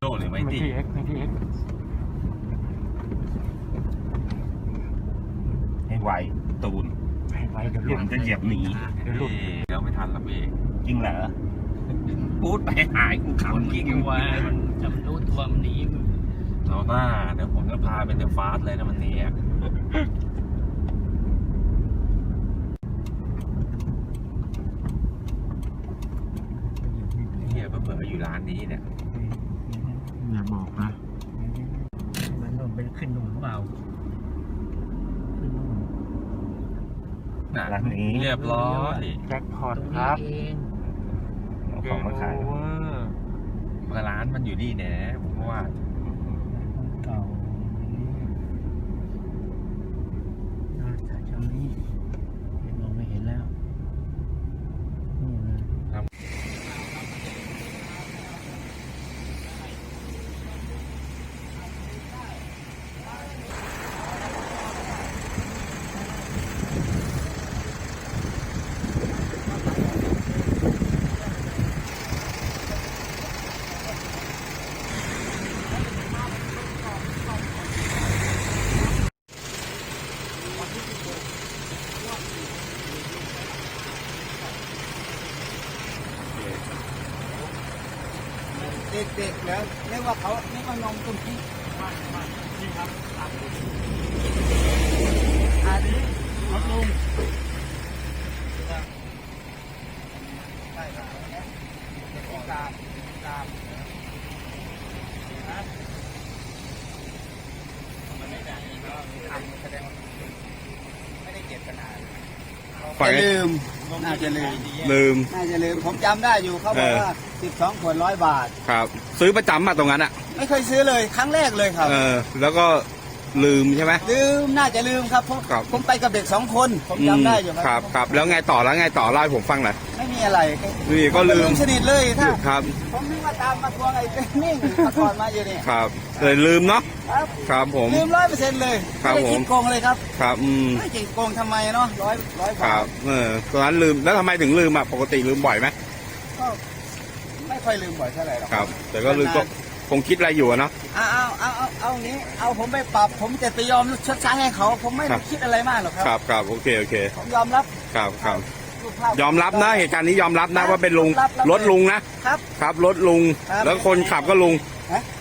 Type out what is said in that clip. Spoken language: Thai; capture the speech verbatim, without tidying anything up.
โดหรือไม่ตีไม่ทีเอ็กไม่ทีเอ็กให้ไวตูนให้ไวเดี๋ยวหเดี๋ลุยวดมันจะเหยียบหนีเดี๋ยวหลุดเราไม่ทันละเบจริงเหรอพูดไปหายกูขำกิ้งว่ามันจำรู้ตัวมันหนีมันเอาหน้าเดี๋ยวผมจะพาเป็นเดอะฟาสเลยนะมันหนีอ่ะเฮียเผื่อๆอยู่ร้านนี้เนี่ยอย่าบอกนะมันโดนไปขึ้นหนุ่มหรือเปล่าขึ้นหนุ่มน่ะร้านนี้เรียบร้อยแจ็คพอตตรงคนี้รับเองเอาของมาขายเกมโอเวอร์มาร้านมันอยู่นี่แน่ผมว่าเก่าน่าจะจำนี่มองไม่เห็นแล้วนี่เลยเด็กๆแล้วเรียกว่าเขาเรียกว่านมตุ้มที่อันนี้รถลุงใช่ครับเด็กตามตามนะมันไม่ได้ก็ทำแสดงว่าไม่ได้เจตนาจะลืมน่าจะลืมลืมน่าจะลืมผมจำได้อยู่เขาบอกว่าสิบสองขวดร้อยบาทครับ ซื้อประจำมาตรงนั้นอ่ะไม่เคยซื้อเลยครั้งแรกเลยครับเออ แล้วก็ลืมใช่ไหมลืมน่าจะลืมครับผมครับผมไปกับเด็กสองคนผมจำได้อยู่ครับครับแล้วไงต่อแล้วไงต่อเล่าให้ผมฟังหน่อยไม่มีอะไรนี่ก็ลืมสนิทเลยถ้าครับผมนึกว่าตามมาทวงไอ้เป็นนิ่งมาก่อนมาอยู่นี่ครับเลยลืมเนาะครับครับผมลืมร้อยเปอร์เซ็นต์เลยครับไม่ได้ผมคิดโกงเลยครับครับอืมไม่คิดโกงทำไมเนาะร้อยร้อยคบารัทบเออตอนนั้นลืมแล้วทำไมถึงลืมอ่ะปกติลืมบ่อยไหมก็ไม่ค่อยลืมบ่อยเท่าไหร่หรอกครับ แต่ก็ลืมก็คงคิดอะไรอยู่อะเนาะเอาเอาเอาเอาเอาอย่างนี้เอาผมไปปรับ ผมจะไปยอมชดใช้ให้เขา ผมไม่ครัได้บคิดอะไรมากหรอกคครัรับครับโอเคโอเคผมยอมรับครับครับรูปภาพยอมรับนะเหตุการณ์นี้ยอมรับนะว่าเป็นลุงรับรับรถลุงนะครับ ครับรถลุงครับแล้วคนขับก็ลุงฮะ